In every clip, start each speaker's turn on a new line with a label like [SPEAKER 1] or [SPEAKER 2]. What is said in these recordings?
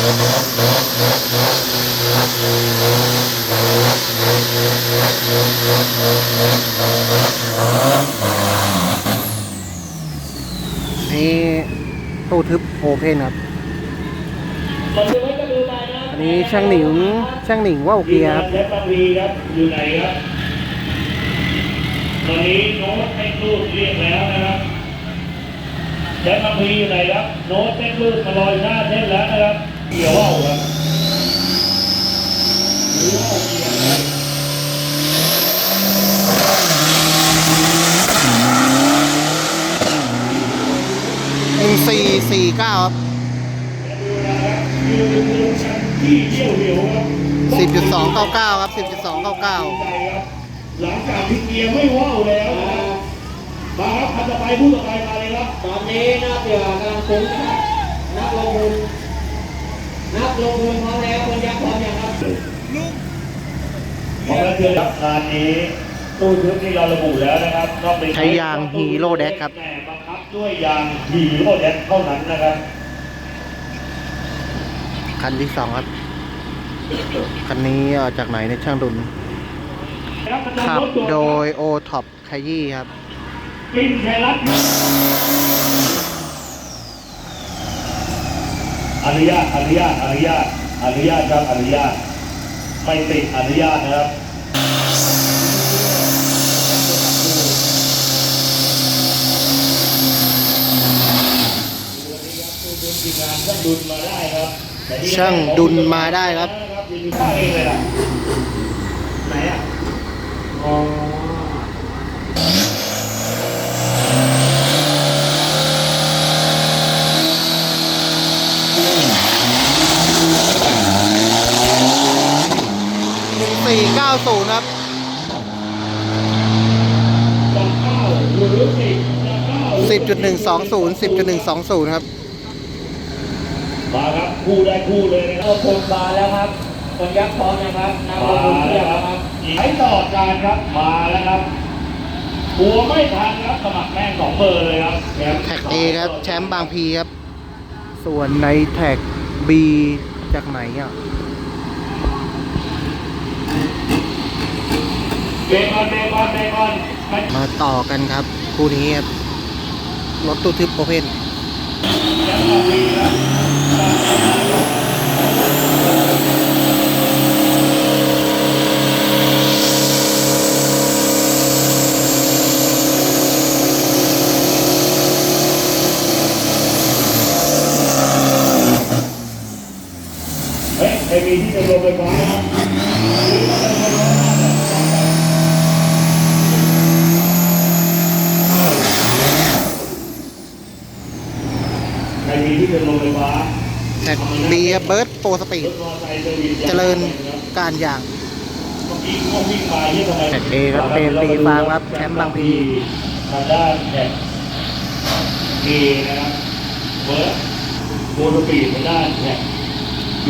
[SPEAKER 1] นี่ตู้ทึบโอเพนครับอันนี้ช่างหนิงว่าวเกียร์ครับ
[SPEAKER 2] อยู่ไหนครับตอนนี้โน้ตเต้นรูดเรียกแล้วนะครับแจ็คมาพีอยู่ไหนครับโน้ตเต้นรูดมาลอยหน้าเต้นแล้วนะครับเกี่ยวว่าวครับหรือว่าวเกี่ยวครับ
[SPEAKER 1] 1449ครับ10.299ครับ10.299
[SPEAKER 2] หลังจากที่เกียร์ไม่ว่าวแล้วมาครับคันต่อไปผู้ต่อไปมาเลยครับ
[SPEAKER 3] ตอนนี้นักเกี่ยวกับการคุ้มนะครับนักลงทุนพร้อมแล้วคนยักษ์พร้อมยังครับ
[SPEAKER 2] พอแล้วเชิญรับงานนี้ตู้ทึบที่เราระบุแล้วนะครับต้องเป็น
[SPEAKER 1] ใช้ยางฮีโร่แดกครับ
[SPEAKER 2] แต่บังคับด้วยยางฮีโร่แดกเท่านั้นนะครับ
[SPEAKER 1] คันที่2ครับคันนี้จากไหนในช่างดุลขับโดยโอท็อปขยี้ครับ
[SPEAKER 2] ปินไทยรัฐอนุญาตครับอนุญาตไม่ติดอนุญาตนะครับ
[SPEAKER 1] ช่างดุลมาได้ครับ
[SPEAKER 2] ไหนอ่ะอ๋อ
[SPEAKER 1] 1490ครับ10.120ครับ
[SPEAKER 2] มาครับคู่ได้คู่เลยนะครับ
[SPEAKER 3] คนมาแล้วครับคนยักษ์พร้อมนะครับนักลงทุนเทียบครับ
[SPEAKER 2] ใช้ต่อการครับมาแล้วครับหัวไม่ทันครับสมัครแม่ง2 เบอร์เลยครับ
[SPEAKER 1] แท็ก A ครับแชมป์บางพีครับส่วนในแท็ก B จากไหนอ่ะ
[SPEAKER 2] เบคอน
[SPEAKER 1] มาต่อกันครับคู่นี้ครับรถตู้ทึบโอเพน
[SPEAKER 2] ไอ้มีที่จะลงไปก่อนนะครับไอ้มีที่จะลงไปฟ้า
[SPEAKER 1] แท็ก B เบิร์ดโปรสปีดเจริญการอย่างแท็ก A ครับเป็นปีฟางครับแชมป์บางพี
[SPEAKER 2] ทางด้านแท็ก A นะครับเบิร์ดโปรสปีดทางด้านแท็ก B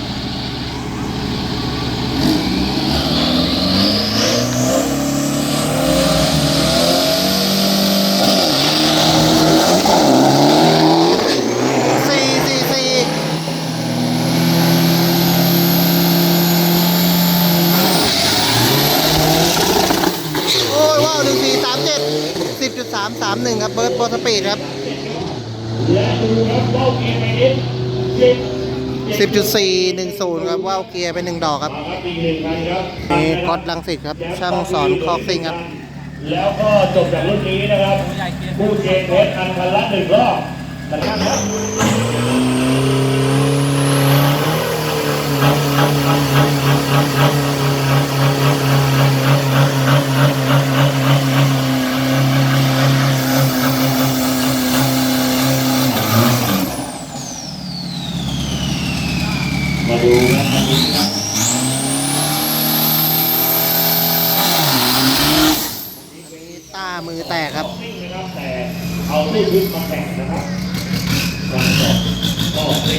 [SPEAKER 1] 10.331ครับเบิร์ดโปรสปีดครับ10.410ครับว่าวเกียร์ไป1 ดอกครับนี่ก๊อตรังสิตครับช่างสอนคอกซิ่งครับ
[SPEAKER 2] แล้วก็จบจากรุ่นนี้นะครับผู้เจนเพชรอันพันละ1 รอบนะครับมาดูนะครับ
[SPEAKER 1] ต้ามือแตกครับ
[SPEAKER 2] แต่เอาตู้ทึบมาแข่งนะครับการสอบก็เป็น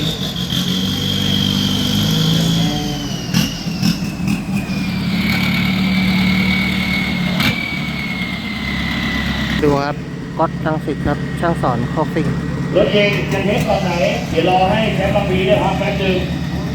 [SPEAKER 1] ดูครับก๊อตรังสิตครับช่างสอนคอกซิ่ง
[SPEAKER 2] รถเองจะเทสตอนไหนเดี๋ยวรอให้แชมป์บางพีเนี่ยพักแป๊บนึง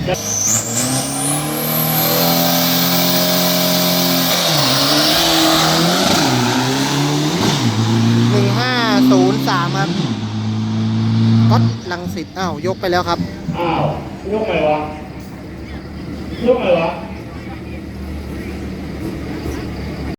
[SPEAKER 1] 1503 ครับก๊อตลังสิตอ้าว ยกไปแล้วครับ
[SPEAKER 2] อ้าว ยกไงวะ ยกไงวะ